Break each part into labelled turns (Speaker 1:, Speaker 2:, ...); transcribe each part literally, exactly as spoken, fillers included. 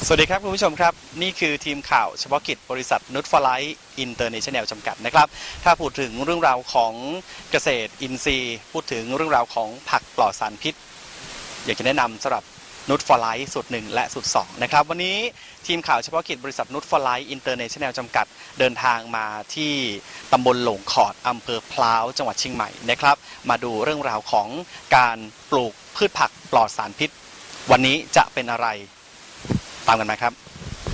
Speaker 1: สวัสดีครับคุณผู้ชมครับนี่คือทีมข่าวเฉพาะกิจบริษัทนุชฟลายอินเตอร์เนชั่นแนลจำกัดนะครับถ้าพูดถึงเรื่องราวของเกษตรอินทรีย์พูดถึงเรื่องราวของผักปลอดสารพิษอยากจะแนะนำสำหรับนุชฟลายสูตรหนึ่งและสูตรสองนะครับวันนี้ทีมข่าวเฉพาะกิจบริษัทนุชฟลายอินเตอร์เนชั่นแนลจำกัดเดินทางมาที่ตำบลหลงขอดอำเภอพร้าวจังหวัดเชียงใหม่นะครับมาดูเรื่องราวของการปลูกพืชผักปลอดสารพิษวันนี้จะเป็นอะไรตามกันมาครับ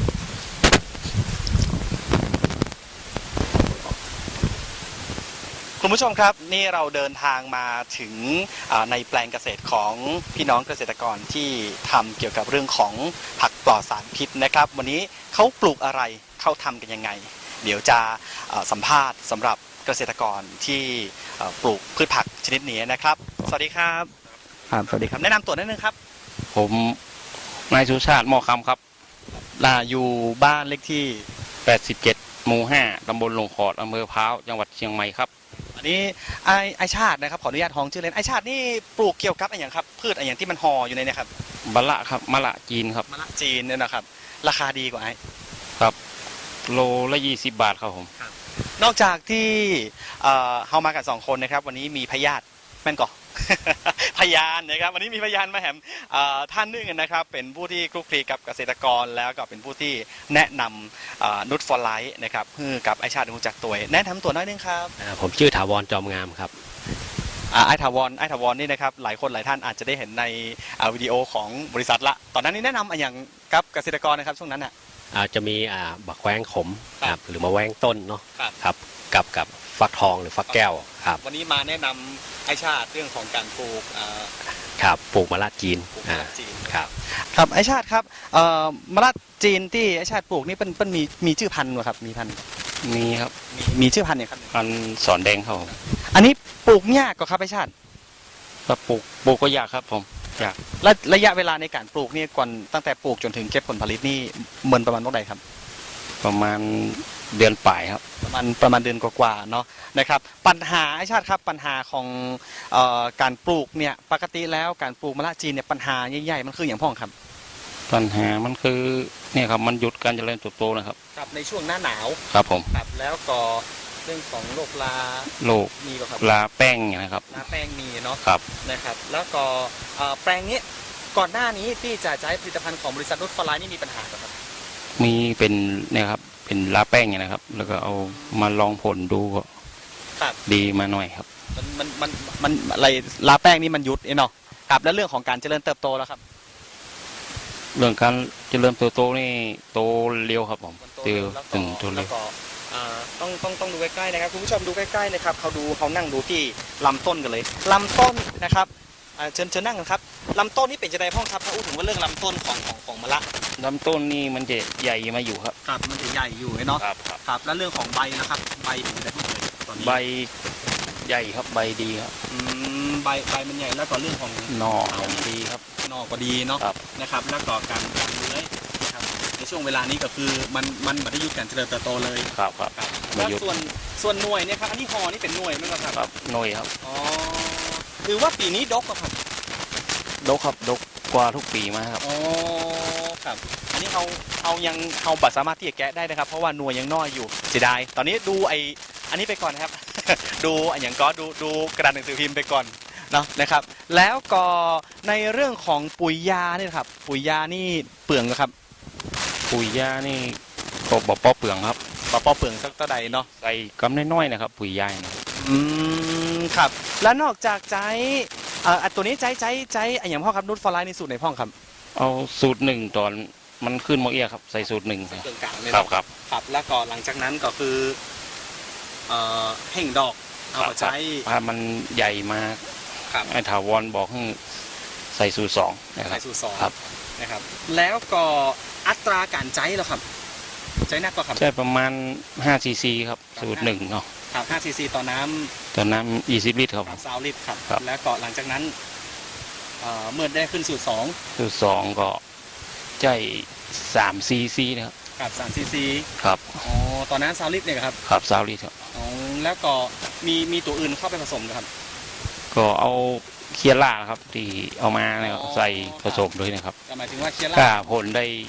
Speaker 1: คุณผู้ชมครับนี่เราเดินทางมาถึงในแปลงเกษตรของพี่น้องเกษตรกรที่ทำเกี่ยวกับเรื่องของผักปลอดสารพิษนะครับวันนี้เขาปลูกอะไรเขาทำกันยังไงเดี๋ยวจะสัมภาษณ์สำหรับเกษตรกรที่ปลูกพืชผักชนิดนี้นะครับสวัสดีครับครับสวัสดีครับแนะนำตัวนิดนึงครับ
Speaker 2: ผมนายสุชาติหม้อคำครับ
Speaker 1: อยู่บ้านเลขที่
Speaker 2: แปดสิบเจ็ดหมู่ห้าตำบลหลงขอดอำเภอพร้าวจังหวัดเชียงใหม่ครับ
Speaker 1: อันนี้ไอไอชาตินะครับขออนุญาตท้องชื่อเล่นไอชาตินี่ปลูกเกี่ยวกับอะไรอย่างครับพืชอะไรอย่างที่มันห่ออยู่ในเนี่ยครับ
Speaker 2: มะละครับมะละจีนครับ
Speaker 1: มะละจีนเนี่ยนะครับราคาดีกว่าไอ
Speaker 2: ครับโลละยี่สิบบาทครับผม
Speaker 1: นอกจากที่เอ่อเฮามากันสองคนนะครับวันนี้มีพยาธิแม่นก่อพยานนะครับวันนี้มีพยานมาแหมท่านนึงนะครับเป็นผู้ที่คลุกคลีกับเกษตรกรแล้วก็เป็นผู้ที่แนะนำนุชฟอร์ไลท์นะครับเพื่อกับไอชาติรู้จักตัวแนะนำตัวน้อยนึงครับ
Speaker 3: ผมชื่อถาวรจอมงามครับ
Speaker 1: ไอถาวรไอถาวรนี่นะครับหลายคนหลายท่านอาจจะได้เห็นในวิดีโอของบริษัทละตอนนั้นนี่แนะนำอย่างกับเกษตรกรนะครับช่วงนั้นอ่ะ
Speaker 3: จะมีบักแว้งขมครับหรือมาแว้งต้นเนาะครับกับกับฟักทองหรือฟักแก้วครับ
Speaker 1: วันนี้มาแนะนำไอชาติเรื่องของการปลูก
Speaker 3: ครับปลูกมะละจีนครับ
Speaker 1: ครับไอชาติครับมะละจีนที่ไอชาติปลูกนี่เป็นเป็นมีมีชื่อพันธุ์ไหมครับมีพันธุ์
Speaker 2: มีครับ
Speaker 1: มีชื่อพันธุ์เนี่ยครับ
Speaker 2: พันธุ์สอนแดงเขา
Speaker 1: อันนี้ปลูกยากกว่าครับไอชาติ
Speaker 2: ก็ปลูกปลูกก็ยากครับผมยาก
Speaker 1: และระยะเวลาในการปลูกนี่ก่อนตั้งแต่ปลูกจนถึงเก็บผลผลิตนี่เหมือนประมาณเท่าไหร่ครับ
Speaker 2: ประมาณเดือนปลายครับ
Speaker 1: ประมาณประมาณเดือนกว่าๆเนาะนะครับปัญหาไอชาติครับปัญหาของเอ่อการปลูกเนี่ยปกติแล้วการปลูกมะละจีนเนี่ยปัญหาใหญ่ๆมันคืออย่างพ่องครับ
Speaker 2: ปัญหามันคือเนี่ยครับมันหยุดการเจริญเติบโตนะครับ
Speaker 1: ครับในช่วงหน้าหนาว
Speaker 2: ครับผม
Speaker 1: ครับแล้วก็เรื่องของโรคลา
Speaker 2: โรค
Speaker 1: มีป่ะครับ
Speaker 2: ลาแป้งนะครับ
Speaker 1: ลาแป้งมีเนาะ
Speaker 2: ครับ
Speaker 1: นะครับแล้วก็แปลงนี้ก่อนหน้านี้ที่จะใช้ผลิตภัณฑ์ของบริษัทนุชฟลายนี่มีปัญหาป่ะครับ
Speaker 2: มีเป็นเนี่ยครับเป็นลาแป้งเนี่ยนะครับแล้วก็เอามาลองผลดูก็ดีมาหน่อยครับ
Speaker 1: มันมันมันมันอะไรลาแป้งนี่มันยุดเนาะครับแล้วเรื่องของการเจริญเติบโตแล้วครับ
Speaker 2: เรื่องการเจริญเติบโตนี่โตเร็วครับผมเติบถึงโตเร็ว
Speaker 1: ต้องต้องต้องดูใกล้ๆนะครับคุณผู้ชมดูใกล้ๆเลยครับเขาดูเขานั่งดูที่ลำต้นกันเลยลำต้นนะครับเชิญเชิญนั่งกันครับลำต้นนี่เป็นจะได้พ่องครับถ้าพูดถึงว่าเรื่องลำต้นของของของมะละ
Speaker 2: ลำต้นนี่มันจะใหญ่มาอยู่ครับ
Speaker 1: ครับมันจะใหญ่อยู่เนาะ
Speaker 2: ครับ
Speaker 1: ครับแล้วเรื่องของใบนะครับใบเป็นจะได้พ่องเลย
Speaker 2: ตอนนี้ใบใหญ่ครับใบดีครับ
Speaker 1: อืมใบใบมันใหญ่แล้วก็เรื่องของ
Speaker 2: หน่อดีครับ
Speaker 1: หน่อก็ดีเนาะนะครับแล้วก็การการเลื้อยนะครับในช่วงเวลานี้ก็คือมันมันไม่ได้ยุติการเจริญเติบโตเลย
Speaker 2: ครับครับ
Speaker 1: แล้วส่วนส่วนหน่วยเนี่ยครับอันนี้ห่อนี่เป็นหน่วยไหมครับ
Speaker 2: ครับหน่วยครับ
Speaker 1: อ๋อคือว่าปีนี้ดกครับ
Speaker 2: ดกครับดกกว่าทุกปีมาครับ
Speaker 1: อ๋อครับอันนี้เขาเขายังเขาบัตรสามารถที่จะแกะได้นะครับเพราะว่าหน่วยยังน้อยอยู่เสียดายตอนนี้ดูไออันนี้ไปก่อนนะครับ ดูอย่างก็ดูดูกระดาษหนังสือพิมพ์ไปก่อนเนาะนะครับแล้วก็ในเรื่องของปุ๋ยยาเนี่ยครับปุ๋ยยานี่เปลืองครับ
Speaker 2: ปุ๋ยยานี่ก็บ่ป้อเปลืองครับ
Speaker 1: บ่ป้อเปลืองสักเท่าใดเนาะ
Speaker 2: ใส่กำน้อยๆนะครับปุ๋ยยานะ
Speaker 1: อืมครับแล้วนอกจากใจเอ่อตัวนี้ใจใจใจอย่างพ่อครับนุชฟอร์ไลท์ในสูตรในพ่อครับ
Speaker 2: เอาสูตรหนึ่งตอนมันขึ้นโมเอียครับใส่สูตรหนึ่งครับครับ
Speaker 1: ครับแล้วก็หลังจากนั้นก็คือเอ่อแห่งดอกเอาใช้
Speaker 2: ถ้ามันใหญ่มากไอ้ถาวรบอกให้ใส่สูตรสอง
Speaker 1: ใส่สูตรสอง
Speaker 2: ครับ
Speaker 1: นะครับแล้วก็อัตราการใช้แล้วครับใช้นักก็ครับ
Speaker 2: ใช่ประมาณห้าซีซีครับสูตรหนึ่งเนาะ
Speaker 1: ครับห้าซีซีต่อน้ำ
Speaker 2: ต่อน้ำยี่สิบลิตรครับ
Speaker 1: สามลิตรครับแล้วก็หลังจากนั้นเมื่อได้ขึ้นสูตรสอง
Speaker 2: สูตรสองก็ใช้สามซีซีนะครับ
Speaker 1: ครับสามซีซี
Speaker 2: ครับ
Speaker 1: อ๋อตอนนั้นสามลิตรเนี่ยครับ
Speaker 2: ครับสามลิตรครับ
Speaker 1: อ๋อแล้วก็มีมีตัวอื่นเข้าไปผสมครับ
Speaker 2: ก็เอาเคียร่าครับที่เอามาเนี่ยใส่ผสมด้วยนะครับ
Speaker 1: หมายถึงว่าเคียร่า
Speaker 2: ก็ผลได้เ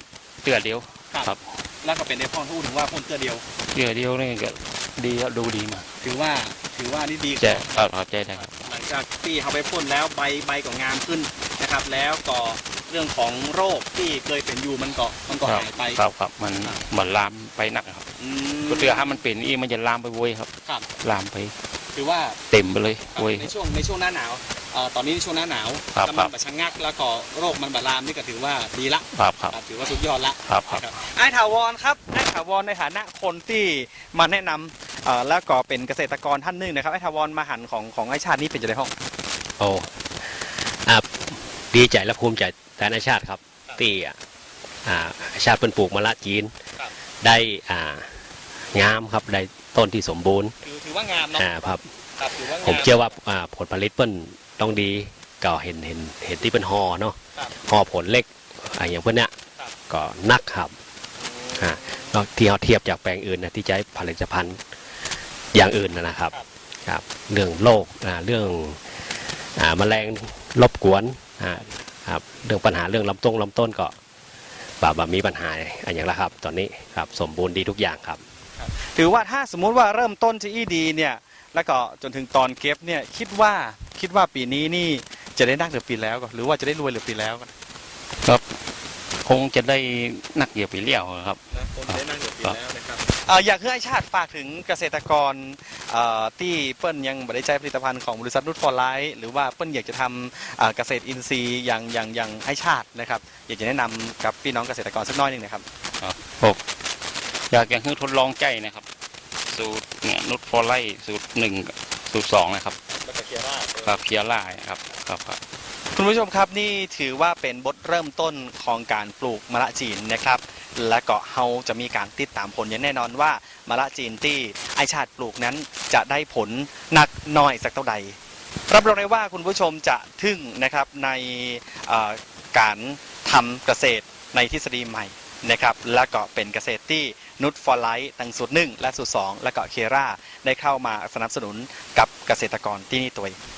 Speaker 2: ตือเดียว ครับ
Speaker 1: แล้วก็เป็นในพ่อพูดถึงว่าพ่นเตือเดียว
Speaker 2: เตือเดียวนี่ก็ดีครับดูดีมาก
Speaker 1: ถือว่าถือว่านี่ดี
Speaker 2: ใจครับครับใจได้ครับ
Speaker 1: หลังจากที่เขาไปพ่นแล้วใบใบก็งามขึ้นนะครับ แล้วก็เรื่องของโรคที่เคยเป็นอยู่มันก็มันก็หายไป
Speaker 2: ครับครับมันเหมือนลามไปหนักครับ
Speaker 1: อืม
Speaker 2: ก็เตือถ้ามันเป็นอีมันจะลามไปโวยครับ
Speaker 1: ครับ
Speaker 2: ลามไป
Speaker 1: ถือว่า
Speaker 2: เต็มไปเลยโวย
Speaker 1: ในช่วงในช่วงหน้าหนาวเอ่อตอนนี้ในช่วงหน้าหนาว
Speaker 2: ครับ
Speaker 1: แล้วมันบะชะงักแล้วก็โรคมันบะลามนี่ก็ถือว่าดีละ
Speaker 2: ครับครับ
Speaker 1: ครับถือว่าสุดยอดละ
Speaker 2: ครับครับ
Speaker 1: นะครับไอ้ถาวรครับไอ้ถาวรในฐานะคนที่มาแนะนำเอ่อแล้วก็เป็นเกษตรกรท่านหนึ่งนะครับไอ้ถาวรมาหันของของไอ้ชาตินี่เป็นจะได้ห้อง
Speaker 3: โอ้อ่าดีใจและภูมิใจแทนอาชาติครับที่อ่าอาชาติเป็นปลูกมะละจีน
Speaker 1: ครับ
Speaker 3: ได้อ่างามครับได้ต้นที่สมบูรณ์
Speaker 1: ถือถือว่างามเนาะ
Speaker 3: อ่าครับ
Speaker 1: ครับถือว่างาม
Speaker 3: ผมเชื่อว่าอ่าผลผลิตเปิ้นต้องดีก็เห็นเห็นเห็นที่เป็นห่อเนาะ
Speaker 1: ครับ
Speaker 3: ห่อผลเล็กอ่าอย่างเพื่อนเนี้ย
Speaker 1: ครับ
Speaker 3: ก็นักครับอ่าแล้วที่เราเทียบจากแปลงอื่นนะที่ใช้ผลิตภัณฑ์อย่างอื่นนะนะครับ
Speaker 1: ครับ
Speaker 3: ครับเรื่องโรคอ่าเรื่องอ่าแมลงรบกวนอ่าครับเรื่องปัญหาเรื่องลำต้นลำต้นก็แบบแบบมีปัญหาอะไรอย่างละครับ ตอนนี้ครับสมบูรณ์ดีทุกอย่างครับ
Speaker 1: ถือว่าถ้าสมมุติว่าเริ่มต้นที่ดีเนี่ยแล้วก็จนถึงตอนเก็บเนี่ยคิดว่าคิดว่าปีนี้นี่จะได้นักหรือปีแล้วก็หรือว่าจะได้รวยหรือปีแล้วก็
Speaker 2: ครับคงจะได้นักเหยียบไปเลี้ยวครับ
Speaker 1: นะผมได้นั่งอยู่ปีแล้วนะครับเอ่ออยากให้ไอ้ชาติฝากถึงเกษตรกรเอ่อที่เปิ้ลยังไม่ได้ใช้ผลิตภัณฑ์ของบริษัทนุชฟอร์ไลท์หรือว่าเปิ้ลอยากจะทำเอ่อเกษตรอินทรีย์อย่างอย่างอย่างไอ้ชาตินะครับอยากจะแนะนำกับพี่น้องเกษตรกรสักน้อยหนึงนะครับ
Speaker 2: ผมอยากยังให้ทดลองใจนะครับ สูตรเนี่ยนุชฟอร์ไลท์สูตรหนึ่งสูตรสองนะครับ
Speaker 1: แล้วก็เคียร่า
Speaker 2: ครับเคียร่าครับครับครับ
Speaker 1: คุณผู้ชมครับนี่ถือว่าเป็นบทเริ่มต้นของการปลูกมะละจีนนะครับ และก็เราจะมีการติดตามผลอย่างแน่นอนว่ามะละจีนที่ไอชาติปลูกนั้นจะได้ผลหนักน้อยสักเท่าใดรับรองได้ว่าคุณผู้ชมจะทึ่งนะครับในเอ่อการทำเกษตรในทฤษฎีใหม่นะครับและก็เป็นเกษตรที่นุชฟอร์ไลท์ทั้งสูตรหนึ่งและสูตรสองและก็เคราได้เข้ามาสนับสนุนกับเกษตรกรที่นี่ตัวเอง